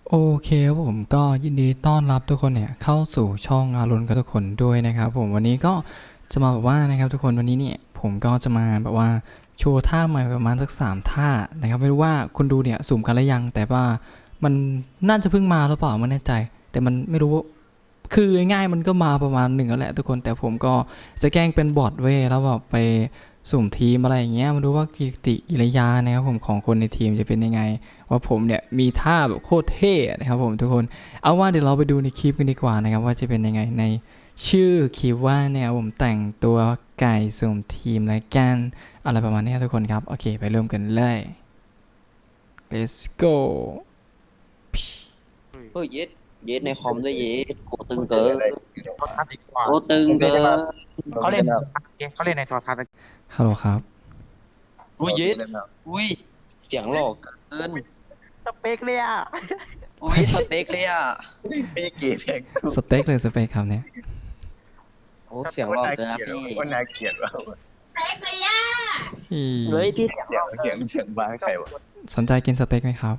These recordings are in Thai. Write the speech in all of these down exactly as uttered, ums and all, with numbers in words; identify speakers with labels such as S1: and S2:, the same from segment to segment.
S1: โอเคครับผมก็ยินดีต้อนรับทุกคนเนี่ยเข้าสู่ช่องอารุณกับทุกคนด้วยนะครับผมวันนี้ก็จะมาแบบว่านะครับทุกคนวันนี้เนี่ยผมก็จะมาแบบว่าโชว์ท่าใหม่ประมาณสักสามท่านะครับไม่รู้ว่าคุณดูเนี่ยสุ่มกันหรือยังแต่ว่ามันน่าจะเพิ่งมาหรือเปล่าไม่แน่ใจแต่มันไม่รู้คือง่ายๆมันก็มาประมาณหนึ่งแล้วแหละทุกคนแต่ผมก็จะแกล้งเป็นบอทเว้ยแล้วแบบไปสุ่มทีมอะไรอย่างเงี้ยมาดูว่ากิติกิริยานะครับผมของคนในทีมจะเป็นยังไง ว่าผมเนี่ยมีท่าแบบโคตรเท่นะครับผมทุกคนเอาว่าเดี๋ยวเราไปดูในคลิปกันดีกว่านะครับว่าจะเป็นยังไงในชื่อคลิปว่าเนี่ยผมแต่งตัวไก่สุ่มทีมและกันอะไรประมาณนี้ทุกคนครับโอเคไปเริ่มกันเลย let's go
S2: เฮ้ยเย็ดเย็ดในคอมด้วยเย็ดโคตึงเกิน
S3: โทรทัศน์ดีกว่า
S2: โคตึงเกิน
S3: เขาเล่นเขาเล่นในโทรทัศน์
S1: ฮัลโหลครับ
S2: อุ้ยเย็ดอุ้ยเสียงหลอกเกิน
S3: สเปกเลยอ่ะ
S2: อุ้ยสเต็กเลยอ่ะ
S4: ไม่เกลียดแพง
S1: สเต็กเลยสเต็กครับเนี่ย
S2: โอ้เสียงหลอกเกินนะพี่
S4: ว่าน่าเกลียดว่ะ
S1: พี่
S2: เฮ้ยพี่เสียงห
S4: เสี
S2: ล
S4: ย
S2: อง ก
S4: เสียงเสียงบ้าใครวะ
S1: สนใจกินสเต็กไหมครับ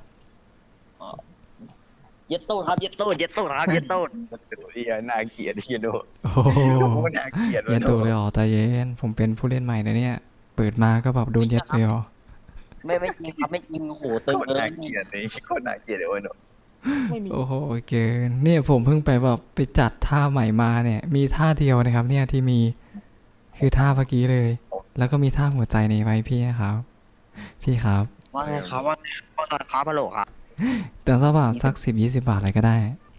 S2: เย็ดตูดครับเย็ดตูดเย็ดตูดครับเย็ดตูด
S4: เฮียน่าเกลียดเฮียโด
S1: โอ้โห
S4: ว่าน่าเกลียด
S1: เย็นตัวเลยอ๋อใจเย็นผมเป็นผู้เล่นใหม่นะเนี่ยเปิดมาก็แบบโดนเย็ดเลยอ๋อ
S2: ไม่ไม่จริงครับไม่จริงโหตึง
S4: คน
S2: เกิ
S4: น่าน เกลียดเลยคนน่าเกลียดเลยวันนี้
S2: ไม่มี
S1: โอ้โหเกินเนี่ยผมเพิ่งไปแบบไปจัดท่าใหม่มาเนี่ยมีท่าเดียวนะครับเนี่ยที่มีคือท่าเมื่อกี้เลย แล้วก็มีท่าหัวใจในไว้พี่นะครับพี่ครับ
S2: ว่าไงครับว่าว่าไงครับฮัลโหลครับ
S1: แต่สักบาทสักสิบยี่สิบบาทอะไรก็ได้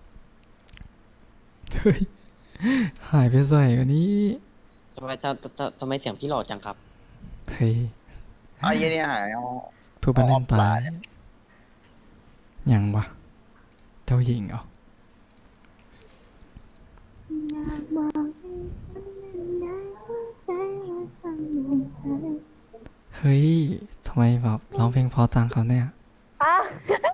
S1: เฮ้ยหายไปใส่วันนี้
S2: ทำไมทำทำทำไมเสียงพี่หล่อจังครับ
S1: เฮ้ย
S4: ไอ้เฮียเนี่ยหายเอา
S1: พูดไปเล่นไปยังวะเจ้าหญิงเหรอเฮ้ยทำไมแบบร้องเพลงเพอจังเขาเนี่ย
S5: อ่ะ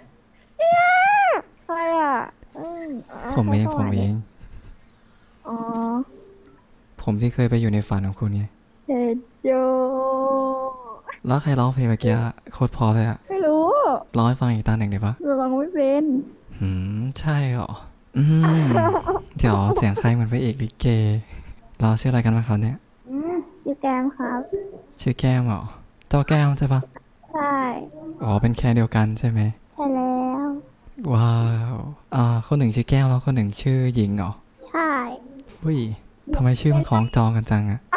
S5: ใครอ่ะอืมอ่ะ
S1: ผมเอง
S5: ใคร
S1: ผมเอง
S5: อ๋อ
S1: ผมที่เคยไปอยู่ในฝันของคุณไง
S5: เฮดโย
S1: แล้วใครร้องเพลงเมื่อกี้อะโคตรเพอเลยอะ
S5: ไม่รู้
S1: ร้องให้ฟังอีกตาหนึ่งได้ปะ
S5: หนูลองไม่เป็น
S1: หืมใช่เหรออืมเดี๋ยวเสียงใครเหมือนพระเอกลิเกเราชื่ออะไรกันบ้างครับเนี่ย
S5: อืมชื่อแกมครับ
S1: ชื่อแก้มเหรอเจ้าแก้มใช่ปะ
S5: ใช่
S1: อ๋อเป็นแค่เดียวกันใช่ไหม
S5: ใช่แล้ว
S1: ว้าวอ่าคนหนึ่งชื่อแก้วแล้วคนหนึ่งชื่อหญิงเหรอ
S5: ใช่
S1: อุ้ยทำไมชื่อมันของจองกันจังอะ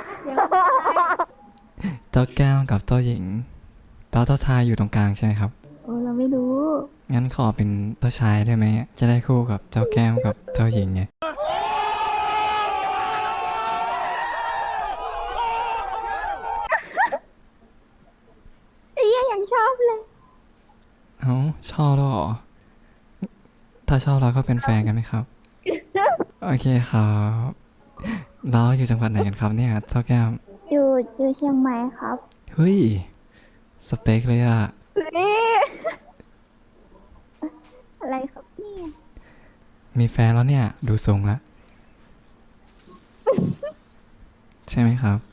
S1: เจ้าแก้วกับเจ้าหญิงแล้วเจ้าชายอยู่ตรงกลางใช่ไหมครับ
S5: โอ้เราไม่รู้
S1: งั้นขอเป็นเจ้าชายได้ไหมจะได้คู่กับเจ้าแก้วกับเจ้าหญิงไง
S5: ไอ้เหี้ยยังชอบเลย
S1: เอ้าชอบแล้วเหรอถ้าชอบเราก็เป็นแฟนกันไหมครับ โอเคครับเราอยู่จังหวัดไหนกันครับเนี่ยเจ้าแก้ว
S5: อยู่อยู่เชียงใหม่ครับ
S1: เฮ้ยสเปคเลยอะ
S5: เฮ้ยอะไรครับเนี่ย
S1: มีแฟนแล้วเนี่ยดูทรงแล้ว ใช่ไหมครับ